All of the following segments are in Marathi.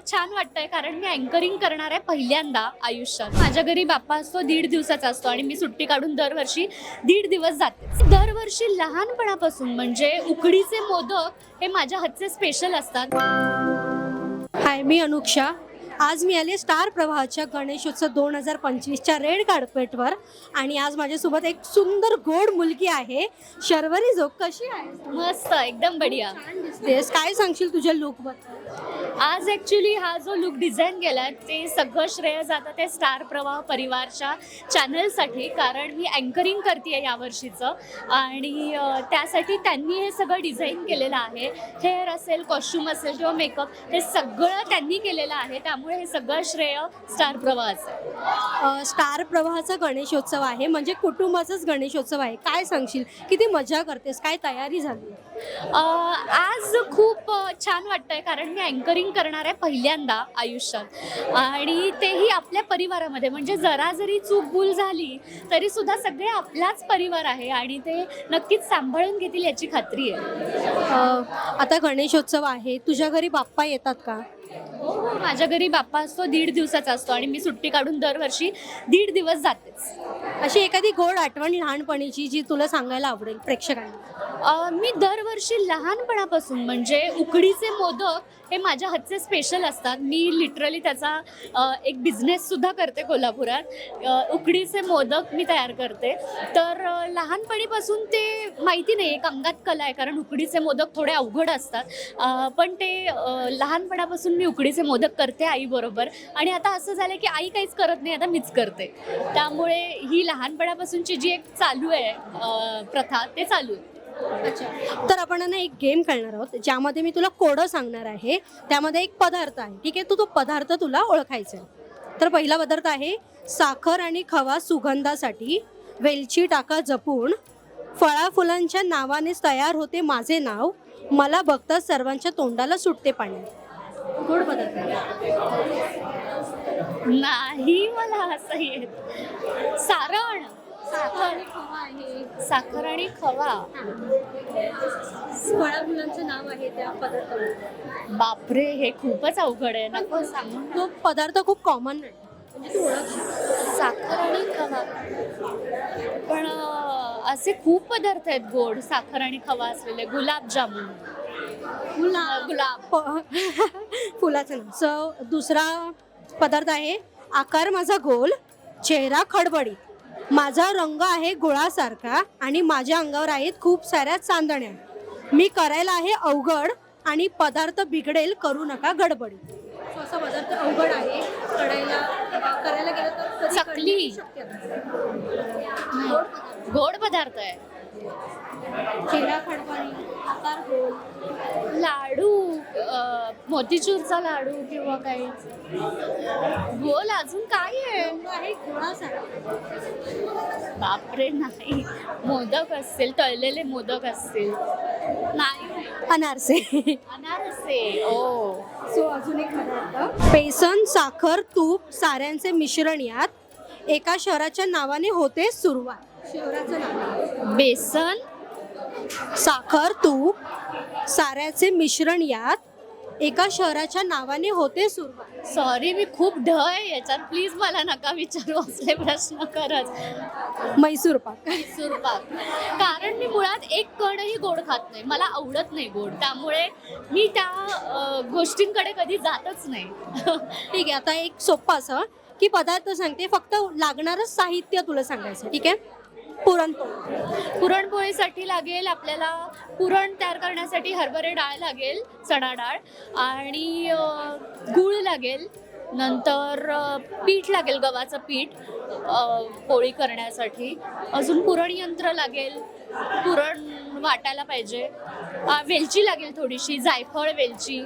छान वाटतंय कारण मी अँकरिंग करणार आहे पहिल्यांदा आयुष्यात. माझ्या घरी बाप्पा असतो 1.5 दिवसाचा असतो आणि मी सुट्टी काढून दरवर्षी 1.5 दिवस जाते. दरवर्षी लहानपणापासून म्हणजे उकडीचे मोदक हे माझ्या हातचे स्पेशल असतात. हाय, मी अनुक्षा. आज मी आले स्टार प्रवाहाच्या गणेशोत्सव 2025च्या रेड कार्पेटवर आणि आज माझ्यासोबत एक सुंदर गोड मुलगी आहे. शर्वरी जोग, कशी आहे? मस्त, एकदम बढिया. छान दिसतेस. काय सांगशील तुझ्या लुकबद्दल? आज ॲक्च्युली हा जो लुक डिझाईन केला ते सगळं श्रेय जातं ते स्टार प्रवाह परिवारच्या चॅनलसाठी, कारण मी अँकरिंग करते यावर्षीचं आणि त्यासाठी त्यांनी हे सगळं डिझाईन केलेलं आहे. हेअर असेल, कॉस्ट्युम असेल किंवा मेकअप, हे सगळं त्यांनी केलेलं आहे. त्यामुळे हे सगळं श्रेय स्टार प्रवाहाचं आहे. स्टार प्रवाहाचा गणेशोत्सव आहे म्हणजे कुटुंबाचाच गणेशोत्सव आहे. काय सांगशील, किती मजा करतेस, काय तयारी झाली? आज खूप छान वाटतंय कारण मी अँकरिंग करणार आहे पहिल्यांदा आयुष्यात आणि तेही आपल्या परिवारामध्ये. म्हणजे जरा जरी चूक भूल झाली तरी सुद्धा सगळे आपलाच परिवार आहे आणि ते नक्कीच सांभाळून घेतील याची खात्री आहे. आता गणेशोत्सव आहे, तुझ्या घरी बाप्पा येतात का? हो, माझ्या घरी बाप्पा असतो 1.5 दिवसाचा असतो आणि मी सुट्टी काढून दरवर्षी 1.5 दिवस जातेच. अशी एखादी गोड आठवण लहानपणीची जी तुला सांगायला आवडेल प्रेक्षकांना? मी दरवर्षी लहानपणापासून म्हणजे उकडीचे मोदक हे माझ्या हातचे स्पेशल असतात. मी लिटरली त्याचा एक बिझनेससुद्धा करते कोल्हापुरात. उकडीचे मोदक मी तयार करते. तर लहानपणीपासून ते माहिती नाही, एक अंगात कला आहे, कारण उकडीचे मोदक थोडे अवघड असतात. पण ते लहानपणापासून मी उकडीचे मोदक करते आईबरोबर आणि आता असं झालं की आई काहीच करत नाही, आता मीच करते. त्यामुळे ही लहानपणापासूनची जी एक चालू आहे प्रथा, ते चालू आहे. अच्छा, तर आपण ना एक गेम खेळणार आहोत ज्यामध्ये मी तुला कोडं सांगणार आहे. त्यामध्ये एक पदार्थ आहे, ठीक आहे? तो पदार्थ तुला ओळखायचा आहे. तर पहिला पदार्थ आहे साखर आणि खवा सुगंधासाठी, वेलची टाका जपून, फळाफुलांच्या नावानेच तयार होते माझे नाव, मला बघता सर्वांच्या तोंडाला सुटते पाणी. गोड पदार्थ नाही, मला असं येत. सारण, साखर आणि खवा. फळाफुलांचं नाव आहे त्या पदार्थाला. बापरे, हे खूपच अवघड आहे. नको सांगू. तो पदार्थ खूप कॉमन नाही म्हणजे तू ओळखशील. साखर आणि खवा, पण असे खूप पदार्थ आहेत गोड साखर आणि खवा असलेले. गुलाबजामुन, गुलाब. फुलाचं नाव. सो दुसरा पदार्थ आहे आकार माझा गोल, चेहरा खडबडी, माझा रंग आहे गुळासारखा आणि माझ्या अंगावर आहेत खूप साऱ्या चांदण्या, मी करायला आहे अवघड आणि पदार्थ बिघडेल, करू नका गडबडी. असा पदार्थ अवघड आहे, करायला गेलं तर चकली. गोड पदार्थ आहे. चेहरा खडबडी, आकार गोल, लाडू, मोतीचूरचा लाडू किंवा काही गोल. अजून काय आहे? गुळासारखा. बापरे, नाही. मोदक असतील, तळलेले मोदक असतील. नाही. अनारसे. अनारसे. ओ. सो अजून एक पदार्थ, बेसन साखर तूप साऱ्यांचे मिश्रण यात, एका शहराच्या नावाने होते सुरुवात. शहराचं नाव बेसन, साखर तूप साऱ्याचे मिश्रण यात, एका शहराच्या नावाने होते सुरुवात. सॉरी, मी खूप ढ आहे याच्यात. प्लीज मला नका विचारू असले प्रश्न खरंच. मैसूर पाक. मैसूर पाक, कारण मी मुळात एक कणही गोड खात नाही, मला आवडत नाही गोड, त्यामुळे मी त्या गोष्टींकडे कधी जातच नाही. ठीक आहे, आता एक सोप्पा असं की पदार्थ सांगते, फक्त लागणारं साहित्य तुला सांगायचं, ठीक आहे? पुरणपोळी. पुरणपोळीसाठी लागेल आपल्याला, पुरण तयार करण्यासाठी हरभरे डाळ लागेल, चणा डाळ, आणि गूळ लागेल. नंतर पीठ लागेल, गव्हाचं पीठ पोळी करण्यासाठी. अजून पुरण यंत्र लागेल, पुरण वाटायला पाहिजे. वेलची लागेल थोडीशी, जायफळ, वेलची.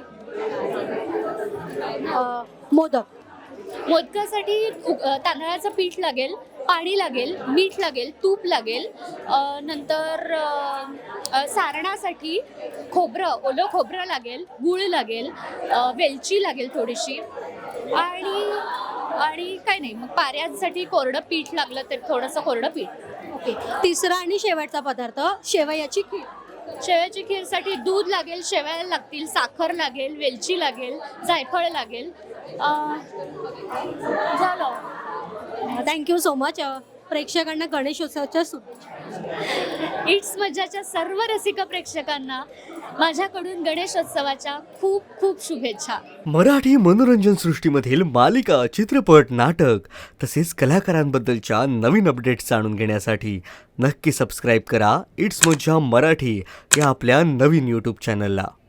मोदक. मोदकासाठी तांदळाचं पीठ लागेल, पाणी लागेल, मीठ लागेल, तूप लागेल. नंतर सारणासाठी ओलं खोबरं लागेल, गूळ लागेल, वेलची लागेल थोडीशी, आणि काय नाही. मग पाऱ्यांसाठी कोरडं पीठ लागलं तर थोडंसं कोरडं पीठ. ओके. तिसरा आणि शेवटचा पदार्थ, शेवयाची खीर. शेवयाची खीरसाठी दूध लागेल, शेवया लागतील, साखर लागेल, वेलची लागेल, जायफळ लागेल. झालं. Thank you so much. प्रेक्षकांना गणेशोत्सवाच्या इट्स मज्जाच्या सर्व रसिक प्रेक्षकांना माझ्याकडून गणेशोत्सवाच्या खूप खूप शुभेच्छा. मराठी मनोरंजन सृष्टीमधील मालिका, चित्रपट, नाटक तसेच कलाकारांबद्दलच्या नवीन अपडेट्स जाणून घेण्यासाठी नक्की सबस्क्राईब करा इट्स मज्जा मराठी या आपल्या नवीन यूट्यूब चॅनलला.